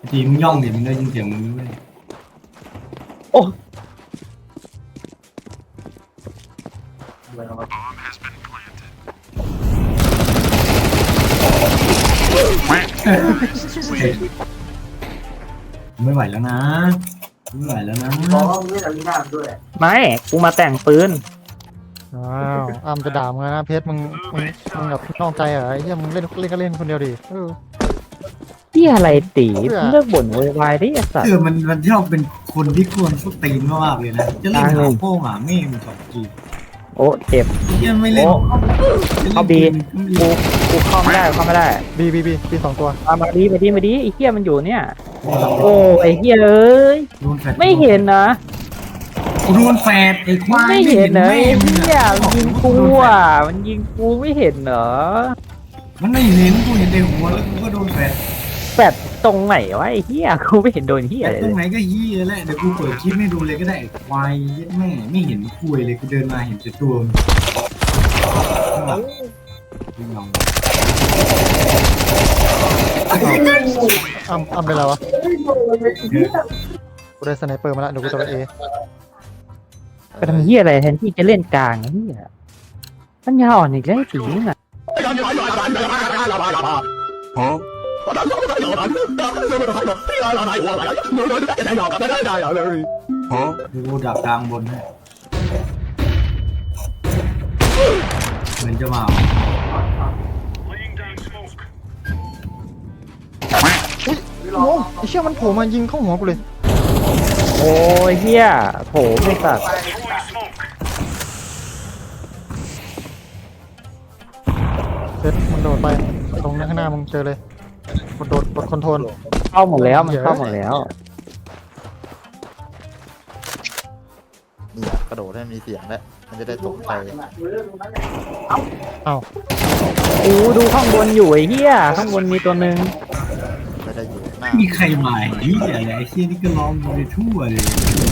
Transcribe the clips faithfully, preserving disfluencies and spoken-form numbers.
ทีมึงย่องดิมึงได้ยินเสียงมึงด้วยโอ้ไม่ไหวแล้วนะไม่ไหวแล้วนะไม่กูมาแต่งปืนอ้าวอ้ำจะด่ามึงนะเพชรมึงมึงมึงแบบนอกใจเหรอไอ้เหี้ยมึงเล่นเล่นก็เล่นคนเดียวดิเออที่อะไรตีเลิกบ่นโวยวายดิไอ้สัตคือว์มันมันชอบเป็นคนที่ควรสุดตีนมากเลยนะจะเล่นหาโป้งหาแม่มึงสองทีโอ้เจ็บยังไม่เล่นเข้าบีกูกูเข้าไม่ได้เข้าไม่ได้บีบีบีบีสองตัวมามาดีมาดีมาดีไอ้เหี้ยมันอยู่เนี่ยโอ้ไอ้เหี้ยเอ้ยโดนแฟดไม่เห็นนะโดนแฟดไอ้ควายไม่เห็นเหรอแม่ไอ้มึงเหี้ยอะมันยิงกูอ่ะมันยิงกูไม่เห็นเหรอมันไม่เห็นกูเห็นในหัวแล้วกูก็โดนแฟดแปดตรงไหนวะไอ้เหี้ยกูไม่เห็นโดนเหี้ยแต่เลยตรงไหนก็ยี่แหละเดี๋ยวกูเปิดคลิปให้ดูเลยก็ได้ควายยัดแม่ไม่เห็นคุยเลยกูเดินมาเห็นแต่ตัวมึงข้างหลังยิงลองอ้ำอ้ำเป็นไรวะกูได้สไนเปอร์มาแล้วเดี๋ยวกูจะไปเอไปทำเหี้ยอะไรแทนที่จะเล่นกลางไอ้เหี้ยปัญญาอ่อนอีกแล้วไอ้ตีนี่น่ะกูดักกลางบนให้เหมือนจะมาโอ้ไอ้เชี่ยมันโผล่มายิงเข้าหัวกูเลยโอ้ยเหี้ยโผล่ไม่สัตว์เพชรมึงโดดไปตรงข้างหน้ามึงเจอเลยกดโดดกดคอนโทรลเข้าหมดแล้วมันเข้าหมดแล้วนี่กระโดดให้มีเสียงแล้วมันจะได้ตกใจอ้าวกูดูข้างบนอยู่ไอ้เหี้ยข้างบนมีตัวหนึ่งไม่ได้อยู่หน้ามีใครมาไอ้เหี้ยอะไรไอ้เชี่ยนี่ก็ร้องไปทั่วเลย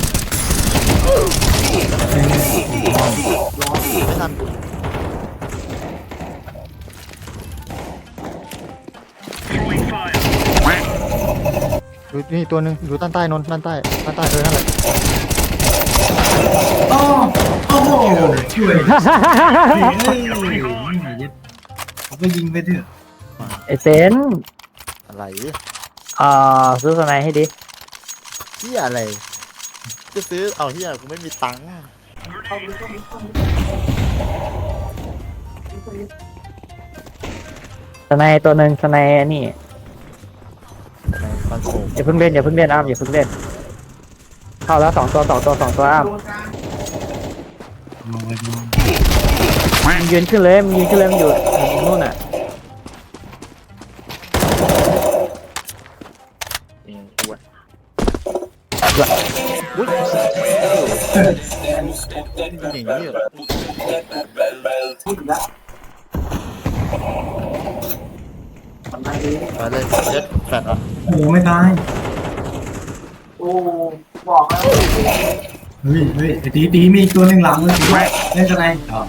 ไม่ทันอยู่นี่ตัวหนึงอยู่ด้านใต้นนด้านใต้ด้านใต้เออนั่นแหละโอ้โอ้โหช่วยเฮ้ยยัดเขาก็ยิงไปเถอะไอเซนอะไรอ่าซื้อสไนให้ดิเฮียอะไรจะซื้อเอาเฮียกูไม่มีตังค์สไนตัวหนึ่งสไนนี่ในคอนโซลอย่าเพิ่งเล่นอย่าเพิ่งเล่นอ้ามอย่าเพิ่งเล่นเข้าแล้วสองตัวสองตัวสองตัวอ้ามลงไปดูมันยืนขึ้นเลยมันยืนขึ้นเลยมันอยู่นู่นอ่ะเองกูอะอุ้ยอย่างนี้เหรอมาเลยเจ็ดแฟดอ่ะโอ้ไม่ตายเฮ้ยเฮ้ยไอ้ตีตีมีอีกตัวหนึ่งหลังเลยเล่นกันไงอ๋อ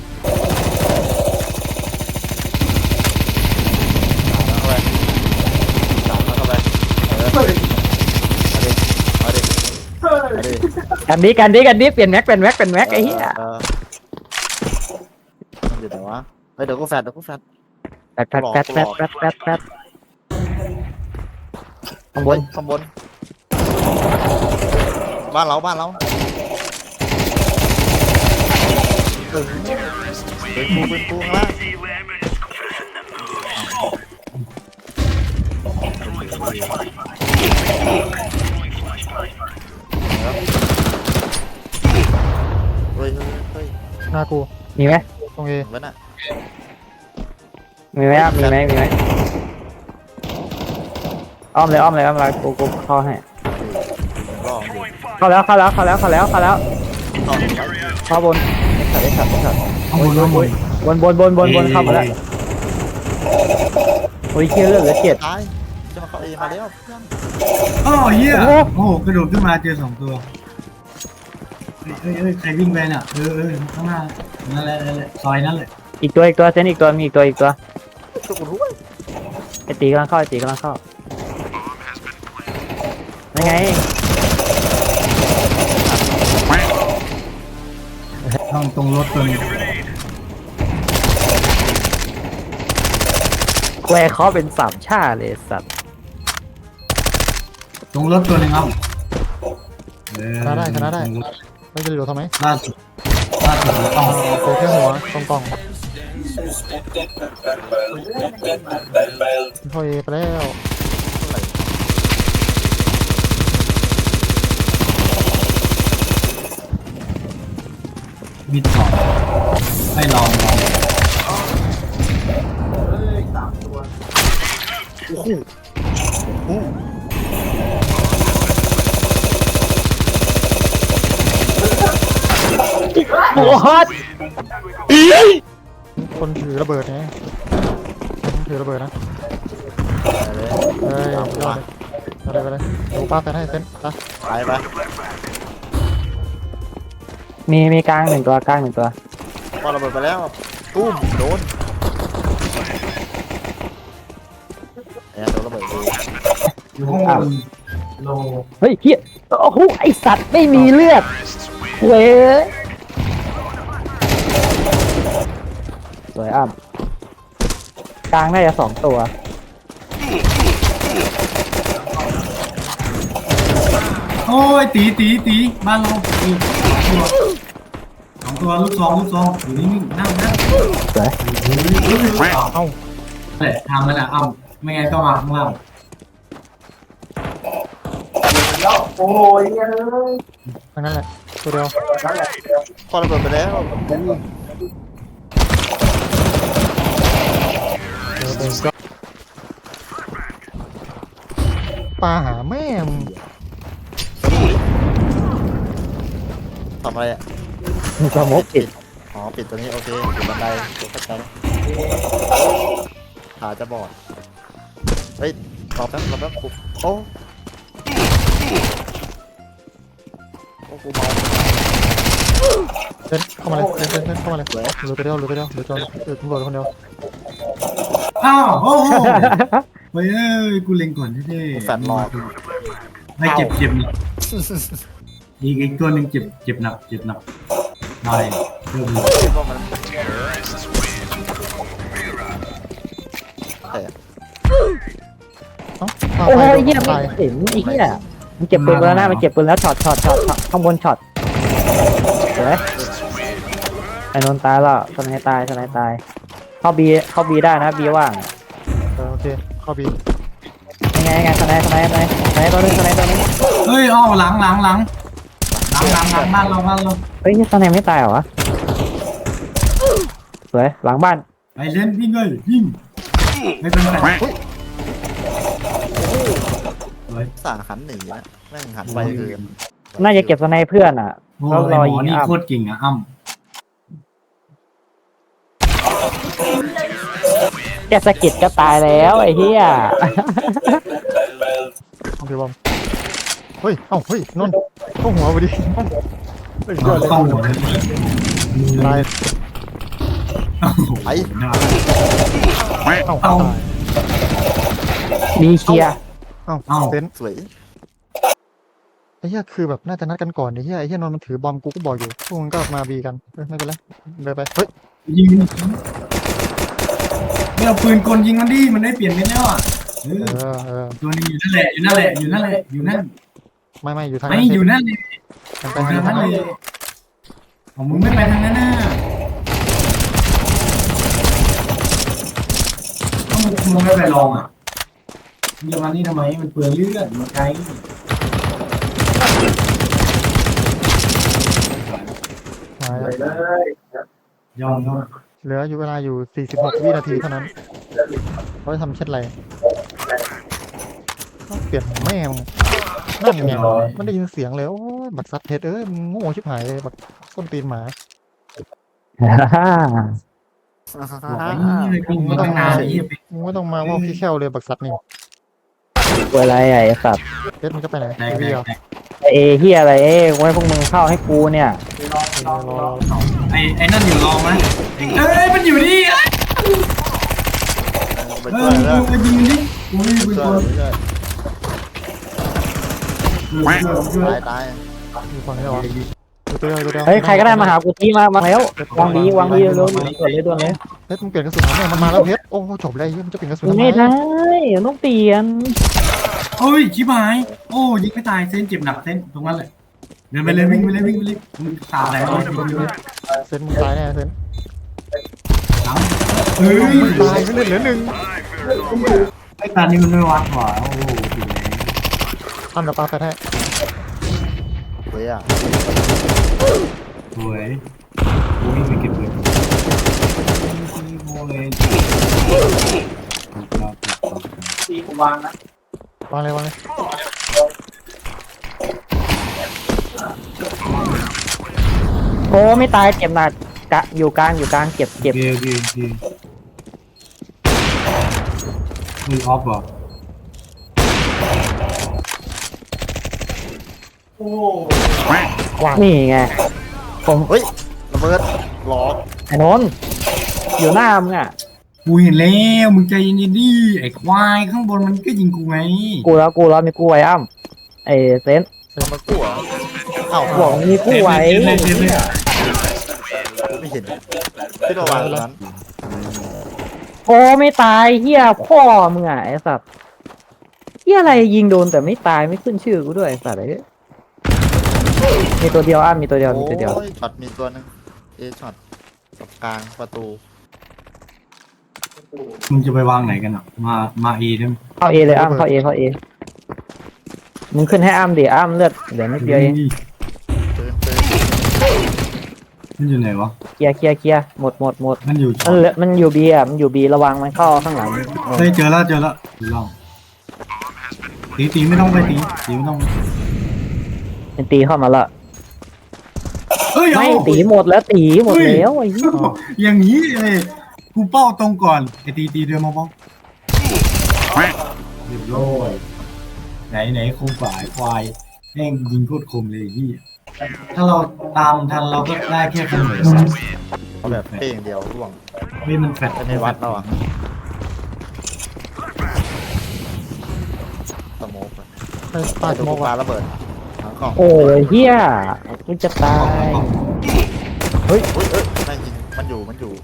เข้าไปสามแล้วเข้าไปเออเอาดิเอาดิเอาดิกันดิกันดิกันดิเปลี่ยนแม็กเป็นแม็กเป็นแม็กไอ้เหี้ยเออมันอยู่ไหนวะเฮ้ยเดี๋ยวกูแฟดเดี๋ยวกูแฟดแป๊ดแป๊ดแป๊ดแป๊ดแป๊ดแป๊ดแป๊ดข้างบนข้างบน บ้านเราบ้านเราเออเป็นกูเป็นกูข้างล่างเฮ้ยเฮ้ยเฮ้ยหน้ากูมีไหมตรงเอเว้นอ่ะมีไหมครับมีไหมมีไหมอ้อมเลยอ้อมเลยอ้อมเลยกูกูเข้าให้รอบดิเข้าแล้วเข้าแล้วเข้าแล้วเข้าแล้วเข้าแล้วรอบดิเข้าบนขัดได้ขัดได้ขัดข้างบนข้างบนบนบนบนบนบนเข้ามาแล้วโอ้ยเชี่ยเลือดเหลือเจ็ดตายจะมาเข้าเอมาแล้วเพื่อนอ๋อเหี้ยโอ้โอ้โหกระโดดขึ้นมาเจอสองตัวเฮ้ยเฮ้ยเฮ้ยใครวิ่งไปน่ะเออเออข้างหน้านั่นแหละนั่นแหละซอยนั่นแหละอีกตัวอีกตัวเซนอีกตัวมีอีกตัวอีกตัวตัวกูรู้เว้ยไอตีกำลังเข้าไอตีกำลังเข้ายังไงต้องตรงรถตัวนี้แวร์เขาเป็นสามชาเลยสัตว์ตรงรถตัวหนึงครับเออชนะได้ชนะได้ไม่จะเหลือทำไมล่าสุดล่าสุดเราต้องโอแค่หัวตรงกล่องพอเอไปแล้วมิดก่อนให้ลองลองโอ้โหคนถือระเบิดไงคนถือระเบิดนะเฮ้ยยอดเลยเอาเลยไปเลยดูป้าแฟนให้เซนไปไปไปมีมีกลางหนึ่งตัวกลางหนึ่งตัวพอระเบิดไปแล้วตุ้มโดนเนี่ยโดนระเบิดดูอยู่ข้างบนโลเฮ้ยเฮียโอ้โหไอสัตว์ไม่มีเลือดเว้ยสวยอ่ำกลางน่าจะสองตัวโอ้ยตีตีตีบ้านเราตีตัวสองตัวลูกซองลูกซองอยู่นิ่งๆนั่งนั่งสวยเอ้าแหละทางมันอ่ะอ้ำไม่งั้นก็มาข้างล่างทั้งนั้นแหละตัวเดียวพอระเบิดไปแล้วเออเออก็ปลาหาแม่มึงทำอะไรอ่ะมีสโมกปิดอ๋อปิดตัวนี้โอเคปิดบันไดตัวเข้าใจแล้วขาจะบอดเฮ้ยรอแป๊บรอแป๊บปุ๊บโอ้โอ้กูเมาเซนเข้ามาเลยเซนเซนเซนเข้ามาเลยเหลือตัวเดียวเหลือตัวเดียวเหลือตัวเหลือตำรวจคนเดียวอ้าวโอ้โหเฮ้ยเอ้ยกูเล็งก่อนเท่ๆแฟนรอไม่เจ็บเจ็บหนักอีกอีกตัวหนึ่งเจ็บเจ็บหนักเจ็บหนักได้เริ่มเลยคิดว่ามันเออเอ้าปลาโอ้ไปยเฮียตาไม่ยเห็นไอ้เฮียมันเก็บปืนไปแล้วนะมันเก็บปืนแล้วช็อตช็อตช็อตช็อตข้างบนช็อตสวยไอ้นนท์ตายแล้วสไนตายสไนตายเข้าบีเข้าบีได้นะบีว่างเออโอเคเข้าบียังไงยังไงสไนสไนสไนสไนตัวนึงสไนตัวนึงเฮ้ยอ้าวหลังหลังหลังหลังหลังหลังบ้านเราบ้านเราเฮ้ยสไนไม่ตายเหรอวะสวยหลังบ้านไปเล่นวิ่งเลยวิ่งไม่เป็นไรเฮ้ยสาหันหนีนะแม่งหันไปคือน่าจะเก็บสไนเพื่อนอ่ะโอ้แล้วยรอหมยิอง นี่อ้ำโคตรเก่งอ่ะอ้ำแกสะกิดก็ตายแล้วไอ้เหี้ยโอเคบอมเฮ้ยเอ้าเฮ้ยนนท์เข้าหัวพอดีเฮ้ยยอดเลยเข้าหัวเลยตายโอ้โหไอ้น่าเอ้าเอาตายบีเคลียร์เอ้าเอ้าเซนสวยไอ้เหี้ยคือแบบน่าจะนัดกันก่อนไอ้เหี้ยไอ้เหี้ยนนท์มันถือบอมกูก็บอกอยู่พวกมึงก็มาบีกันเฮ้ยไม่เป็นไรเลยไปเฮ้ยยิงไม่เอาปืนกลยิงมันดิมันได้เปลี่ยนไปแล้วอ่ะเอเอออเออตัวนี้อยู่นั่นแหละอยู่นั่นแหละอยู่นั่นแหละอยู่นั่นไม่ไม่อยู่ทางไม่นั้นอยู่นั่นเลยทางไปไปทางทานั้งนนั้นเลยของมึงไม่ไปทางนั้นน่ะต้องมึงไม่ไปลองอ่ะมึงจะมานี่ทำไมมันเปลืองเลือดมันไกลมาแล้วยอมยอมเหลืออยู่เวลาอยู่สี่สิบหกวินาทีเท่านั้นเขาจะทำเช่นไรต้องเปลี่ยนแม่มึงนั่นไงมันได้ยินเสียงเลยโอ้ยบักซัดเพชรเอ้ยมึงโง่ชิบหายเลยบักส้นตีนหมาบอกไอ้นี่เลยกูมาตั้งนานไอ้เหี้ยไปมึงไม่ต้องมาว่าพี่แค่วเลยบักซัดนี่เวลาใหญ่สัตว์เพชรมันก็ไปไหนแตกไอ้แตเหี้ยกแตกเอเฮียอะไรเอ้ไว้พวกมึงเข้าให้กูเนี่ยรอรอไอ้ไอ้นั่นอยู่รองไหมเอ้ยมันอยู่นี่เอ้ยไปเอช่วอยแล้วกูยิงดิกูไม่มีปืนช่กวยลช่วยตายตายอยู่ฝั่งนี้เหรอตัวเดียวตัวเดียวเฮ้ยใครก็ได้มาหากูทีมามาแล้ววางบีวางบีเร็วๆด่วนเลยด่วนเลยเพชรมึงเปลี่ยนกระสุนเนี่ยมันมาแล้วเพชรโอ้จบเลยมันจะเปลี่ยนกระสุนทำไมไม่ได้ต้องเปลี่ยนเฮ้ยชิบหายโอ้ยิงไม่ตายเส้นเจ็บหนักเส้นตรงนั้นเลยเดินไปเลยวิ่งไปเลยวิ่งไปเลยมึงตาอะไรวะเซนมึงตายแน่เซนเฮ้ยตายไม่เล่นเหลือหนึ่งไอ้ตานี่มันไม่วัดหรอโอ้โหทำเดี๋ยวปลาแฟร์ให้เฮ้ยอ่ะสวยโอ้ยไม่เก็บเลยโอ้ยวางนะวางเลยวางเลยโอ้ไม่ตายเจ็บหนักกะอยู่กลางอยู่กลางเจ็บเจ็บเกย์เกย์เกย์มึงออฟเหรอนี่ไงผมเฮ้ยระเบิดหลอกไอ้นนท์อยู่หน้ามึงอ่ะกูเห็นแล้วมึงใจเย็นๆดิไอ้ควายข้างบนมันก็ยิงกูไงกูแล้วกูแล้วมีกูไว้อ้ำไอ้เซนเซนมากู้เหรอเอ้าบอกมีกูไว้เล่นเล่นเล่นไม่เห็นที่ระหว่างนั้นโอ้ไม่ตายเฮียพ่อมึงอ่ะไอ้สัตว์เฮียอะไรยิงโดนแต่ไม่ตายไม่ขึ้นชื่อกูด้วยไอ้สัตว์ไอ้มีตัวเดียวอ้ำมีตัวเดียวมีตัวเดียวโอ้ยช็อตมีตัวนึงเอช็อตกับกลางประตูมึงจะไปวางไหนกันอ่ะมามาเอได้ไหมเข้าเอเลยอ้ำเข้าเอเข้าเอมึงขึ้นให้อ้ำดิอ้ำเลือดเดี๋ยวนิดเดียวเองเติมเติมมันอยู่ไหนวะเคลียร์เคลียร์เคลียร์หมดหมดหมดมันอยู่มันเหลือมันอยู่บีอ่ะมันอยู่บีระวังมันเข้าข้างหลังเฮ้ยเจอแล้วเจอแล้วลองตีตีไม่ต้องไปตีตีไม่ต้องเป็นตีเข้ามาละเฮ้ยไม่เอาตีหมดแล้วตีหมดแล้วไอ้เหี้ยอย่างนี้เลยกูเป้าตรงก่อนไอ้ตีตีเดินมาบ้องเรียบร้อยไหนไหนคมฝ่ายควายแม่งยิงโคตรคมเลยพี่ถ้าเราตามทันเราก็ได้แค่เสมอเอาแบบเป้งเดียวร่วงเฮ้ยมันแฟดไม่วัดแล้วอ่ะสโมกไปปลาปาสดูโมกปลาว่ะระเบิดทั้งกล่องโอ้ยเฮียกูจะตายเฮ้ยเฮ้ยเฮ้ยไม่ยิงมันอยู่มันอยู่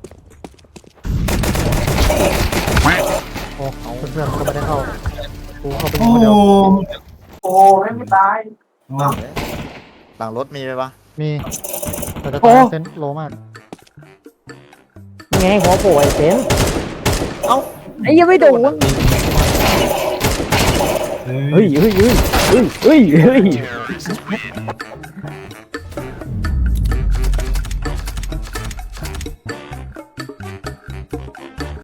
โอ้เพื่อนๆก็ไม่ได้เข้ากูเข้าไปโอ้คนเดียวโอ้ไม่ตายหลังรถมีไหมวะมีแต่จะตายเซนโลมากไงหัวโผล่ไอ้เซนเอ้าไอ้ยังไม่โดนเฮ้ยเฮ้ยเฮ้ยเฮ้ยเฮ้ยเฮ้ย